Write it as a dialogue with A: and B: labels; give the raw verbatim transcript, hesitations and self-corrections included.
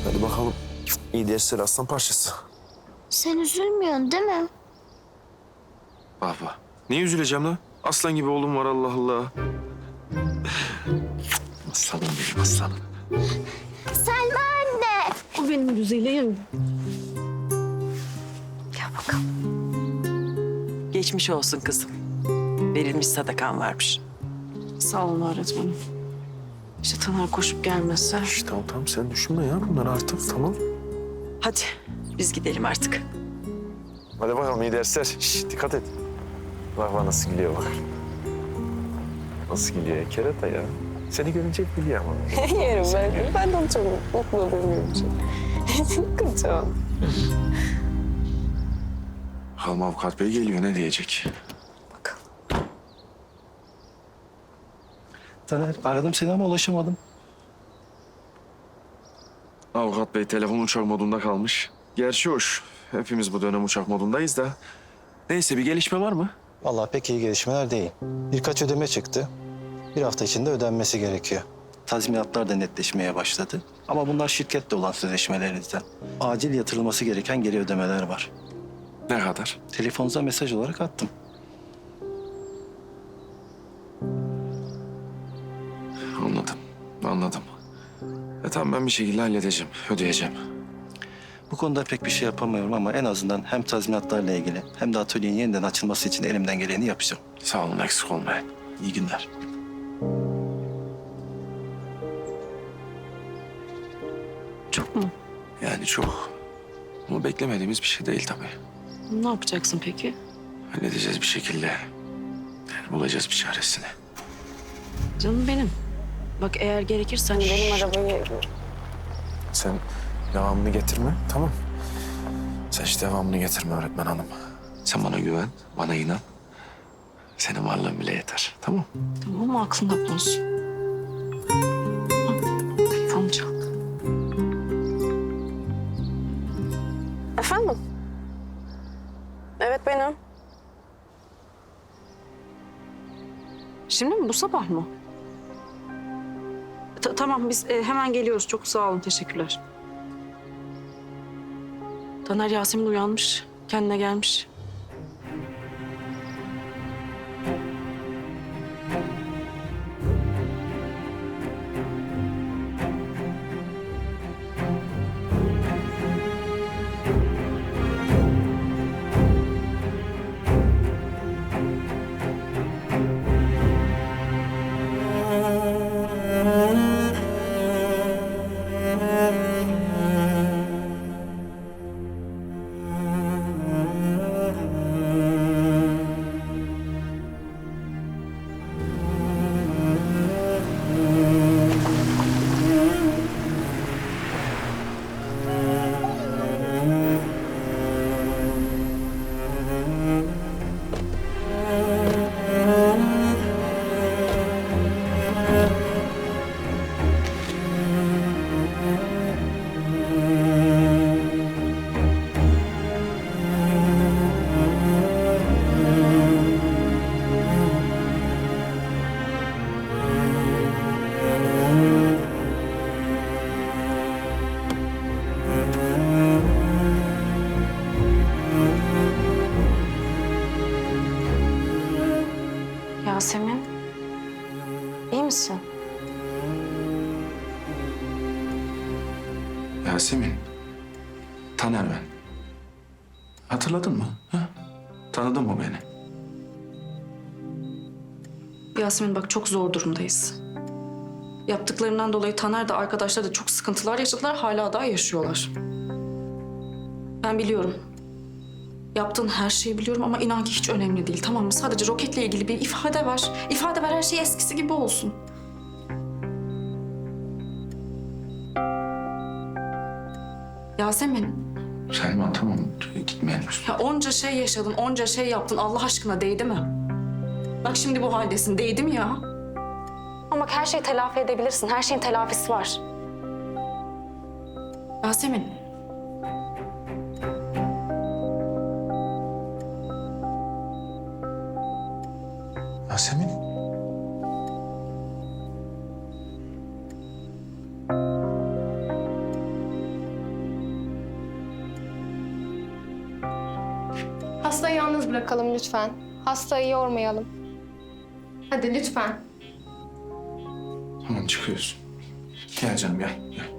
A: Hadi bakalım. İyi dersler aslan parçası.
B: Sen üzülmüyorsun değil mi?
A: Baba. Niye üzüleceğim lan? Aslan gibi oğlum var Allah Allah. Aslanım benim aslanım.
B: Selma anne.
C: O benim güzelim.
D: Gel bakalım. Geçmiş olsun kızım. Verilmiş sadakan varmış.
C: Sağ olun öğretmenim. İşte Taner koşup gelmezse.
A: Şişt, tamam tamam sen düşünme ya bunları artık tamam.
D: Hadi biz gidelim artık.
A: Hadi bakalım iyi dersler. Şişt, dikkat et. Bak bak nasıl gülüyor bak. Nasıl gülüyor ya kerata ya. Seni görünce hep gülüyor ama.
C: Yerim ben. Ben de onu çok mutlu oluyorum. Kıracağım.
A: Bakalım avukat bey geliyor ne diyecek?
E: Taner, aradım seni ama ulaşamadım.
A: Avukat bey telefon uçak modunda kalmış. Gerçi hoş. Hepimiz bu dönem uçak modundayız da. Neyse bir gelişme var mı?
E: Vallahi pek iyi gelişmeler değil. Birkaç ödeme çıktı. Bir hafta içinde ödenmesi gerekiyor. Tazminatlar da netleşmeye başladı. Ama bunlar şirkette olan sözleşmelerinizden. Acil yatırılması gereken geri ödemeler var.
A: Ne kadar?
E: Telefonunuza mesaj olarak attım.
A: Anladım. Anladım. E tamam ben bir şekilde halledeceğim. Ödeyeceğim.
E: Bu konuda pek bir şey yapamıyorum ama en azından hem tazminatlarla ilgili hem de atölyenin yeniden açılması için elimden geleni yapacağım.
A: Sağ olun eksik olmayın.
E: İyi günler.
C: Çok mu?
A: Yani çok. Ama beklemediğimiz bir şey değil tabii.
C: Ne yapacaksın peki?
A: Halledeceğiz bir şekilde. Yani bulacağız bir çaresini.
C: Canım benim. Bak eğer gerekirse hani benim arabayı...
A: Sen devamını getirme tamam. Sen hiç devamını getirme öğretmen hanım. Sen bana güven, bana inan. Senin varlığın bile yeter tamam.
C: Tamam mı? Aklında bulunsun. Telefon çal. Efendim? Evet benim. Şimdi mi? Bu sabah mı? Ta- tamam biz e, hemen geliyoruz. Çok sağ olun. Teşekkürler. Taner Yasemin uyanmış. Kendine gelmiş. Yasemin, iyi misin?
A: Yasemin, Taner ben. Hatırladın mı? Ha? Tanıdın mı beni?
C: Yasemin bak çok zor durumdayız. Yaptıklarından dolayı Taner de arkadaşlar da çok sıkıntılar yaşadılar. Hala daha yaşıyorlar. Ben biliyorum. Yaptığın her şeyi biliyorum ama inan ki hiç önemli değil tamam mı? Sadece roketle ilgili bir ifade ver. İfade ver her şey eskisi gibi olsun. Yasemin,
A: Selma tamam gitmeyelim.
C: ya onca şey yaşadın, onca şey yaptın. Allah aşkına değdi mi? Bak şimdi bu haldesin. Değdi mi ya? Ama bak her şeyi telafi edebilirsin. Her şeyin telafisi var. Yasemin.
A: Yasemin.
F: Hastayı yalnız bırakalım lütfen. Hastayı yormayalım. Hadi lütfen.
A: Tamam çıkıyoruz. Gel canım gel. gel.